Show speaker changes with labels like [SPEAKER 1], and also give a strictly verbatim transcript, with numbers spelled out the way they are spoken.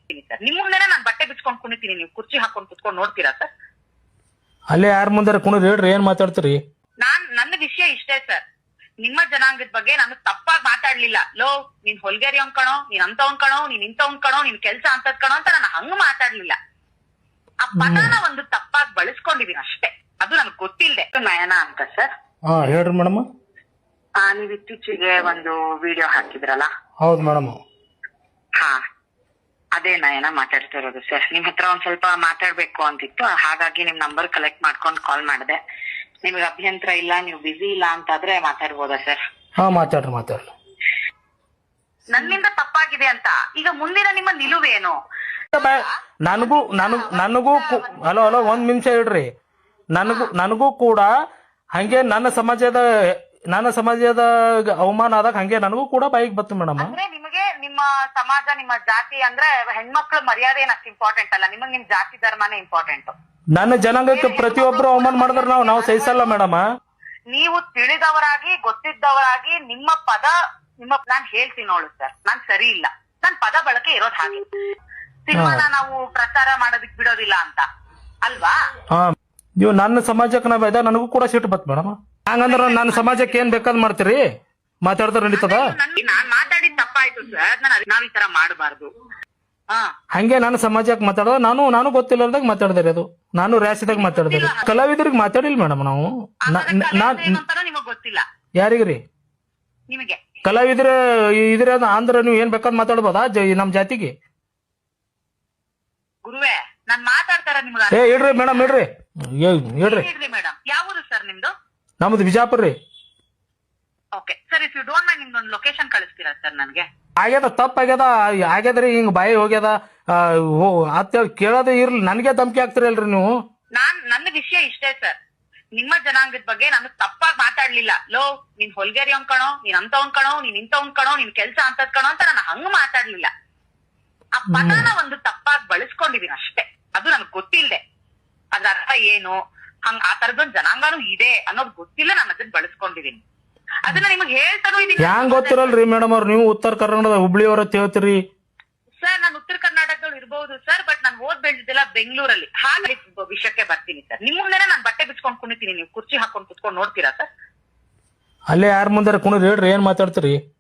[SPEAKER 1] Sir ನಿಮ್ ಮುಂದೆನೆ ನಾನು ಬಟ್ಟೆ ಬಿಚ್ಕೊಂಡ್ ಕುಣಿತೀನಿ, ನೀವು ಕುರ್ಚಿ ಹಾಕೊಂಡ್ ಕುತ್ಕೊಂಡ್ ನೋಡ್ತೀರಾ ಸರ್?
[SPEAKER 2] ಅಲ್ಲೇ ಯಾರ ಮುಂದಾರ ಕುಣಿದ್ರಿ ಹೇಳ್ರಿ, ಏನ್ ಮಾತಾಡ್ತೀರಿ?
[SPEAKER 1] ನಾನ್ ನನ್ನ ವಿಷಯ ಇಷ್ಟೇ ಸರ್, ನಿಮ್ಮ ಜನಾಂಗದ ಬಗ್ಗೆ ನಾನು ತಪ್ಪಾಗಿ ಮಾತಾಡ್ಲಿಲ್ಲ. ಲೋ ನೀನ್ ಹೊಲ್ಗೇರಿ ಕಣೋ, ನೀನ್ ಅಂತವನ್ ಕಣೋ, ನೀನ್ ಇಂಥವನ್ ಕಣೋ, ನಿನ್ ಕೆಲ್ಸ ಅಂತದ್ ಕಣೋ ಅಂತ ನಾನು ಹಂಗ ಮಾತಾಡ್ಲಿಲ್ಲ. ಆ ಪದನ ಒಂದು ತಪ್ಪಾಗಿ ಬಳಸ್ಕೊಂಡಿದೀನಿ ಅಷ್ಟೇ, ಅದು ನನಗ್ ಗೊತ್ತಿಲ್ದೆ. ನಯನ ಅಂತ ಸರ್.
[SPEAKER 2] ಹಾ ಹೇಳ್ರಿ ಮೇಡಮ್.
[SPEAKER 1] ಆ ನೀವ್ ಇತ್ತೀಚೆಗೆ ಒಂದು ವಿಡಿಯೋ ಹಾಕಿದ್ರಲ್ಲ?
[SPEAKER 2] ಹೌದು ಮೇಡಮ್.
[SPEAKER 1] ಹಾ ಅದೇ ನಯನ ಮಾತಾಡ್ತಾ ಇರೋದು ಸರ್. ನಿಮ್ ಹತ್ರ ಒಂದ್ ಸ್ವಲ್ಪ ಮಾತಾಡ್ಬೇಕು ಅಂತಿತ್ತು, ಹಾಗಾಗಿ ನಿಮ್ ನಂಬರ್ ಕಲೆಕ್ಟ್ ಮಾಡ್ಕೊಂಡು ಕಾಲ್ ಮಾಡಿದೆ. ನಿಮ್ಗೆ ಅಭ್ಯಂತರ ಇಲ್ಲ, ನೀವು ಬಿಸಿ ಇಲ್ಲ ಅಂತಾದ್ರೆ ಮಾತಾಡ್ಬೋದಾ ಸರ್?
[SPEAKER 2] ಹಾ ಮಾತಾಡ್ರಿ ಮಾತಾಡ್ರಿ.
[SPEAKER 1] ನನ್ನಿಂದ ತಪ್ಪಾಗಿದೆ ಅಂತ ಈಗ ಮುಂದಿನ ನಿಮ್ಮ ನಿಲುವೇನು?
[SPEAKER 2] ನನಗೂ ನನಗ್ ನನಗೂ ಹಲೋ ಹಲೋ ಒಂದ್ ನಿಮಿಷ ಹೇಳ್ರಿ. ನನಗೂ ನನಗೂ ಕೂಡ ಹಂಗೆ ನನ್ನ ಸಮಾಜದ ನನ್ನ ಸಮಾಜದ ಅವಮಾನ ಆದಾಗ ಹಂಗೆ ನನಗೂ ಕೂಡ ಬೈಕ್ ಬತ್ತು ಮೇಡಮ್.
[SPEAKER 1] ಅಂದ್ರೆ ನಿಮಗೆ ನಿಮ್ಮ ಸಮಾಜ, ನಿಮ್ಮ ಜಾತಿ ಅಂದ್ರೆ ಹೆಣ್ಮಕ್ಳು ಮರ್ಯಾದೆ ಏನಷ್ಟು ಇಂಪಾರ್ಟೆಂಟ್ ಅಲ್ಲ, ನಿಮಗ್ ನಿಮ್ ಜಾತಿ ಧರ್ಮನೇ ಇಂಪಾರ್ಟೆಂಟ್.
[SPEAKER 2] ನನ್ನ ಜನಾಂಗಕ್ಕೆ ಪ್ರತಿಯೊಬ್ರು ಅವಮಾನ ಮಾಡಿದ್ರೆ ನಾವು ನಾವು ಸಹಿಸಲ್ಲ ಮೇಡಮ್.
[SPEAKER 1] ನೀವು ತಿಳಿದವರಾಗಿ ಗೊತ್ತಿದ್ದವರಾಗಿ ನಿಮ್ಮ ಪದ ನಿಮ್ಮ ನಾನ್ ಹೇಳ್ತೀನಿ ನೋಡು ಸರ್, ನಾನ್ ಸರಿ ಇಲ್ಲ, ನನ್ ಪದ ಬಳಕೆ ಇರೋದ್ ಹಾಗೆ. ಸಿನಿಮಾನ ನಾವು ಪ್ರಚಾರ ಮಾಡೋದಕ್ ಬಿಡೋದಿಲ್ಲ ಅಂತ ಅಲ್ವಾ?
[SPEAKER 2] ಹಾ ನೀವು ನನ್ನ ಸಮಾಜಕ್ಕೆ ನಾವ್ ಇದ್ದಾಗ ನನಗೂ ಕೂಡ ಸಿಟ್ಟು ಬತ್ ಮೇಡಮ್. ಹಂಗಂದ್ರ ನನ್ನ ಸಮಾಜಕ್ಕೆ ಏನ್ ಬೇಕಾದ್ ಮಾಡ್ತೀರಿ? ಮಾತಾಡ್ತಾರ ನಡೀತದ?
[SPEAKER 1] ನಾನ್ ಮಾತಾಡಿದ್ ತಪ್ಪಾಯ್ತು ಸರ್, ನಾನು ನಾವ್ ಈ ತರ ಮಾಡಬಾರ್ದು.
[SPEAKER 2] ಹಂಗೆ ನಾನು ಸಮಾಜಕ್ಕೆ ಮಾತಾಡೋದು, ನಾನು ನಾನು ಗೊತ್ತಿಲ್ಲದಾಗ ಮಾತಾಡ್ದಾರೆ, ಅದು ನಾನು ರ್ಯಾಸಿದಾಗ ಮಾತಾಡಿದಾರೆ. ಕಲಾವಿದರಿಗೆ ಮಾತಾಡಿಲ್ಲ ಮೇಡಮ್ ನಾವು.
[SPEAKER 1] ನಿಮಗ್ ಗೊತ್ತಿಲ್ಲ
[SPEAKER 2] ಯಾರಿಗ್ರಿ?
[SPEAKER 1] ನಿಮಗೆ
[SPEAKER 2] ಕಲಾವಿದ್ರ ಇದ್ರ ಅಂದ್ರ ನೀವು ಏನ್ ಬೇಕಾದ್ ಮಾತಾಡ್ಬೋದಾ ನಮ್ ಜಾತಿಗೆ?
[SPEAKER 1] ಗುರುವೇ ನಾನ್ ಮಾತಾಡ್ತಾರ ನಿಮ್ಗೆ.
[SPEAKER 2] ಏ ಹೇಳ್ರಿ ಮೇಡಮ್, ಹೇಳ್ರಿ ಹೇಳ್ರಿ.
[SPEAKER 1] ಮೇಡಮ್ ಯಾವುದು ಸರ್ ನಿಮ್ದು?
[SPEAKER 2] ನಮ್ದು ಬಿಜಾಪುರ್ ರೀ.
[SPEAKER 1] Okay sir, if you don't mind ನಿಮ್ದೊಂದು ಲೊಕೇಶನ್ ಕಳಿಸ್ತೀರಾ ಸರ್ ನನ್ಗೆ?
[SPEAKER 2] ಆಗ್ಯದ, ತಪ್ಪ ಆಗ್ಯದ, ಆಗ್ಯದ್ರಿ, ಹಿಂಗ್ ಬಾಯಿ ಹೋಗ್ಯದ ಅಂತ ಕೇಳೋದೇ ಇರ್ಲಿ, ನನ್ಗೆ ಧಮಕಿ ಹಾಕ್ತಿರಲ್ರಿ ನೀವು.
[SPEAKER 1] ನಾನ್ ನನ್ನ ವಿಷಯ ಇಷ್ಟೇ ಸರ್, ನಿಮ್ಮ ಜನಾಂಗದ ಬಗ್ಗೆ ನಾನು ತಪ್ಪಾಗಿ ಮಾತಾಡ್ಲಿಲ್ಲ. ಲೋ ನೀನ್ ಹೊಲ್ಗೇರಿ ಕಣೋ, ನೀನ್ ಅಂತವನ್ ಕಣೋ, ನೀನ್ ಇಂಥವನ್ ಕಣೋ, ನಿನ್ ಕೆಲ್ಸ ಅಂತದ್ ಕಣೋ ಅಂತ ನಾನು ಹಂಗ ಮಾತಾಡ್ಲಿಲ್ಲ. ಆ ಪದನ ಒಂದು ತಪ್ಪಾಗಿ ಬಳಸ್ಕೊಂಡಿದೀನಿ ಅಷ್ಟೇ, ಅದು ನನಗ್ ಗೊತ್ತಿಲ್ದೆ. ಅದ್ರ ಅರ್ಥ ಏನು, ಹಂಗ ಆ ತರದೊಂದ್ ಜನಾಂಗನೂ ಇದೆ ಅನ್ನೋದು ಗೊತ್ತಿಲ್ಲ, ನಾನು ಅದನ್ನ ಬಳಸ್ಕೊಂಡಿದೀನಿ. ಅದನ್ನ ನಿಮಗ್ ಹೇಳ್ತಾನೂ ಇದೀನಿ.
[SPEAKER 2] ಹ್ಯಾಂಗ್ ಗೊತ್ತಿರಲ್ರಿ ಮೇಡಮ್ ಅವ್ರು, ನೀವು ಉತ್ತರ ಕರ್ನಾಟಕದ ಹುಬ್ಳಿಯವ್ರ ಹೇಳ್ತೀರಿ.
[SPEAKER 1] ಸರ್ ನಾನು ಉತ್ತರ ಕರ್ನಾಟಕದವ್ರು ಇರ್ಬಹುದು ಸರ್, ಬಟ್ ನಾನು ಓದ್ ಬೆಳೆದಿದ್ದೆಲ್ಲ ಬೆಂಗಳೂರಲ್ಲಿ. ಹಾಗೆ ವಿಷಯಕ್ಕೆ ಬರ್ತೀನಿ ಸರ್, ನಿಮ್ ಮುಂದೆನೆ ನಾನು ಬಟ್ಟೆ ಬಿಚ್ಕೊಂಡ್ ಕುಣಿತೀನಿ, ನೀವು ಕುರ್ಚಿ ಹಾಕೊಂಡ್ ಕುತ್ಕೊಂಡ್ ನೋಡ್ತೀರಾ ಸರ್?
[SPEAKER 2] ಅಲ್ಲೇ ಯಾರ ಮುಂದಾರ ಕುಣಿದ್ರಿ ಹೇಳ್ರಿ, ಏನ್ ಮಾತಾಡ್ತೀರಿ?